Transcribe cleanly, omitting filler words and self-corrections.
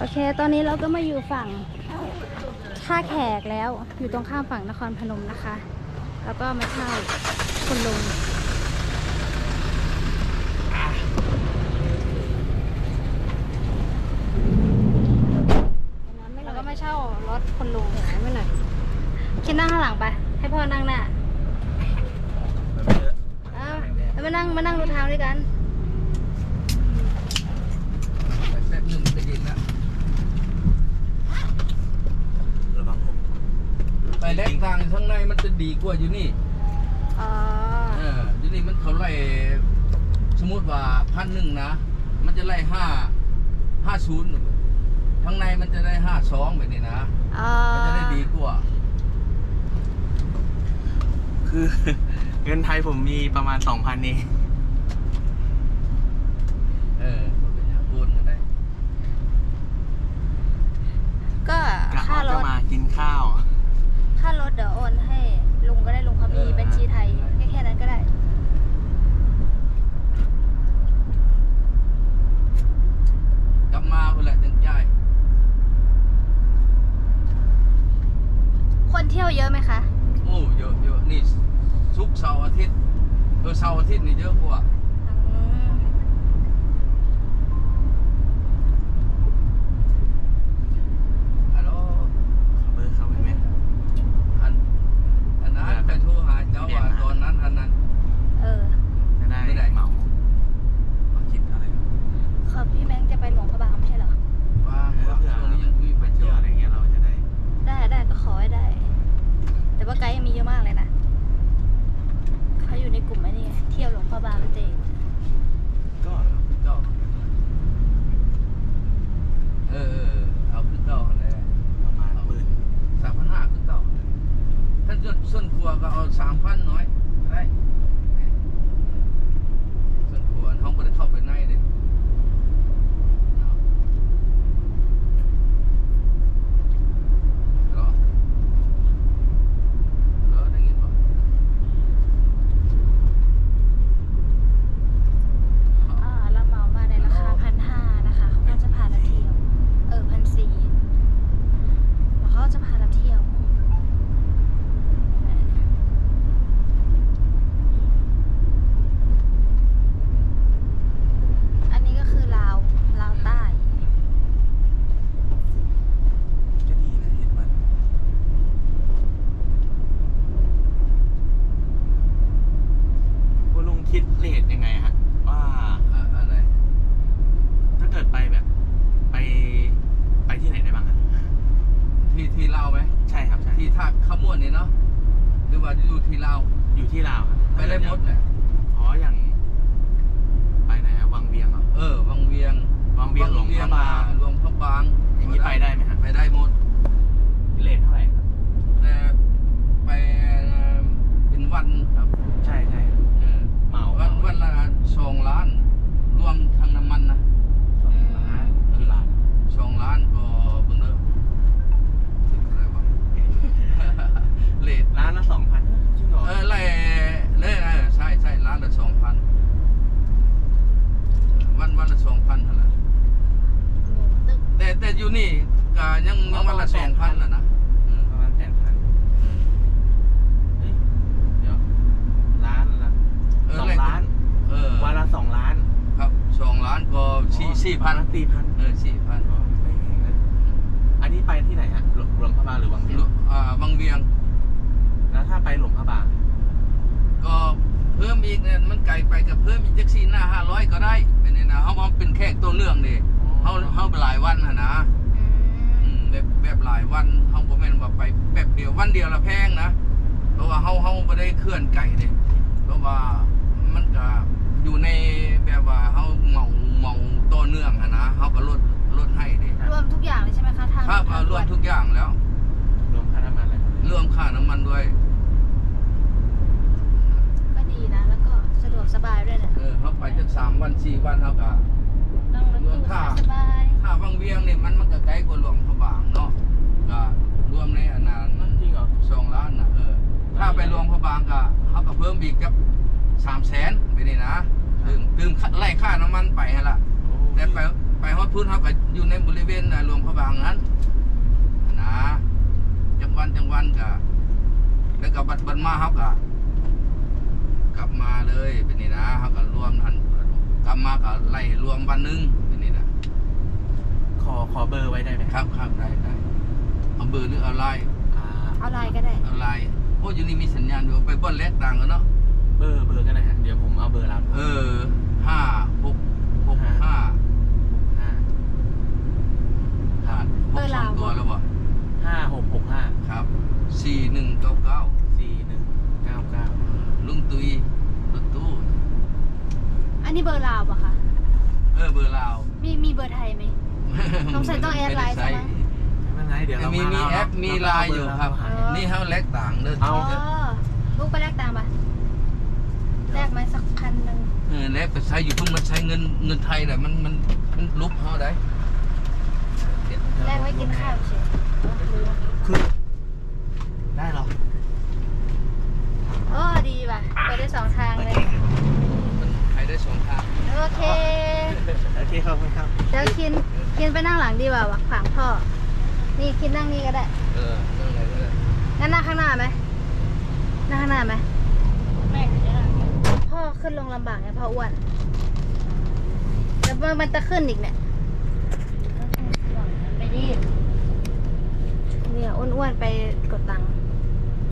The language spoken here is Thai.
โอเคตอนนี้เราก็มาอยู่ฝั่งท่าแขกแล้วอยู่ตรงข้ามฝั่งนครพนมนะคะแล้วก็มาเช่าคุณลุงแล้วก็มาเช่ารถคุณลุงไม่หน่อยคิดนั่งข้างหลังไปให้พ่อนั่งหน้าแล้วมานั่งดูทางด้วยกันแป๊บนึงจะเย็นแล้วระวังผมไปแลกทางข้างในมันจะดีกว่าอยู่นี่อยู่นี่มันเขาไล่สมมติว่า1,000นะมันจะไล่550ข้างในมันจะได้52แบบนี้นะมันจะได้ดีกว่าคือเงินไทยผมมีประมาณ 2,000 เองเป็นอย่างโอนก็ได้ก็ค่ารถมากินข้าวค่ารถเดี๋ยวโอนให้ลุงก็ได้ลุงเขามีบัญชีไทยแค่นั้นก็ได้กลับมาเพื่อแหละถึงจ่ายคนเที่ยวเยอะไหมคะโอ้เยอะนี่ศุกร์เสาร์อาทิตย์เสาร์อาทิตย์นี่เยอะกว่าฮัลโหลเบอร์เข้าไปไหมอันนั้นไปโทรหาเจ้าว่าตอนนั้นอันนั้นจะได้เหมาคิดอะไรครับพี่แบงค์จะไปหลวงพระบางไม่ใช่เหรอว่าช่วงนี้ยังคุยไปเที่ยวอะไรเงี้ยเราจะได้ก็ขอให้ได้แต่ว่าไกด์ยังมีเยอะมากเลยนะเขาอยู่ในกลุ่มไอ้นี่เที่ยวหลวงพระบางเจก็เอาขึ้นเก้าอะไรประมาณ 3,500ขึ้นเก้าท่านส่วนครัวก็เอา3,000น้อยได้ส่วนครัวห้องไม่ได้เข้าไปในเลยคิดเรทยังไงฮะว่าอะไรถ้าเกิดไปแบบไปที่ไหนได้บ้างครับที่ลาวไหมใช่ครับใช่ที่ท่าขมวนนี่เนาะหรือว่าอยู่ที่ลาวอยู่ที่ลาวครับไปได้หมดเลยอย่างไปไหนอะวังเวียงเหรอวังเวียงหลวงพระบางอย่างนี้ไปได้ไหมครับไปได้หมดเรทเท่าไหร่ครับไปเป็นวันครับใช่เหมาวันละ2 ล้านรวมทางน้ำมันนะ 2 ล้านกี่บาท 2 ล้านก็เบิ่งเด้ออะไรวะเลทล้านละ 2,000จริงเหรอใช่ล้านละ 2,000วันละ 2,000เท่านั้นแต่อยู่นี่ก็ยังวันละ 2,000น่ะนะประมาณ 8,000เดี๋ยวล้านละ2 ล้านวันละ2 ล้านครับ2 ล้านก็4,000 4,000ไม่แพงนะอันนี้ไปที่ไหนฮะหลวงพระบางหรือวังเวียงวังเวียงแล้วถ้าไปหลวงพระบางก็เพิ่มอีกเนี่ยมันไกลไปกับเพิ่มอีกจัก4 หน้า500ก็ได้เป็นนี่นะเขาเป็นแขกตัวเนื่องนี่เขาไปหลายวันนะแบบหลายวันเขาบ่แม่นว่าไปแบบเดียววันเดียวละแพงนะเพราะว่าเขาไม่ได้เคลื่อนไก่เด้เพราะว่ามันก็อยู่ในแบบว่าเขาเมาตัวเนื่องนะเขาก็ลดให้เด้รวมทุกอย่างเลยใช่ไหมคะทางครับรวมทุกอย่างแล้วรวมค่าน้ำมันอะไรรวมค่าน้ำมันด้วยก็ดีนะแล้วก็สะดวกสบายด้วยเนี่ยเขาไปจาก3 วัน 4 วันเขาก็รวมค่าวังเวียงเนี่ยมันก็ไกลกว่าหลวงพระบางเนาะก็รวมในอันนั้นจริงเหรอ 2 ล้านนะถ้าไปหลวงพระบางก็เขาก็เพิ่มอีกกับ300,000ไปนี่นะตื่มไล่ค่าน้ำมันไปฮะล่ะแต่ไปฮอดพื้นเขาก็อยู่ในบริเวณหลวงงนั้นนะจังวันกะแล้วก็บัดมาเฮากะกลับมาเลยเป็นนี่นะเฮาก็รวมทันกลับมาก็ไล่รวมวันหนึงเป็นนี่นะขอเบอร์ไว้ได้ไหมครับได้เอาเบอร์หรือเอาไลน์เอาไลน์ก็ได้เอาไลน์โอ้อยู่นี่มีสัญญาณอยู่ไปบ่อนแลกต่างกันเนาะเบอร์ก็ได้ฮะเดี๋ยวผมเอาเบอร์เรา 5665 5 ผ่าน6ตัวแล้วบ่ 5665 ครับ4199 4199 ลุงตุยรถตู้อันนี้เบอร์ลาวปะคะเบอร์ลาวมีเบอร์ไทยไหม ต้องใส่ต้องแอดไลน์ใช่ไหมไม่เป็นไรเดี๋ยวเรามีมาแอปมีไลน์อยู่ครับ นี่เฮาแลกต่างเด้อเอาลูกไปแลกตังค์ปะแลกไหมสักพันหนึ่งแลกไปใช้อยู่พุ่งมันใช้เงินไทยแต่มันลุบเฮาได้แลกไว้กินข้าวเฉยคือได้เหรอโอ้ดีป่ะไปได้สองทางเลยมันใช้ได้สองทางโอเคโอเคขอบคุณครับเดี๋ยวคินไปนั่งหลังดีกว่าวะขวางพ่อ นี่คินนั่งนี่ก็ได้นั่งอะไรก็ได้งั้นนั่งข้างหน้าไหมนั่งข้างหน้าไหมไม่พ่อขึ้นลงลำบากไงพ่ออ้วนแล้วมันจะขึ้นอีกเนี่ยไปดิเนี่ยอ้วนๆไปกดตังค์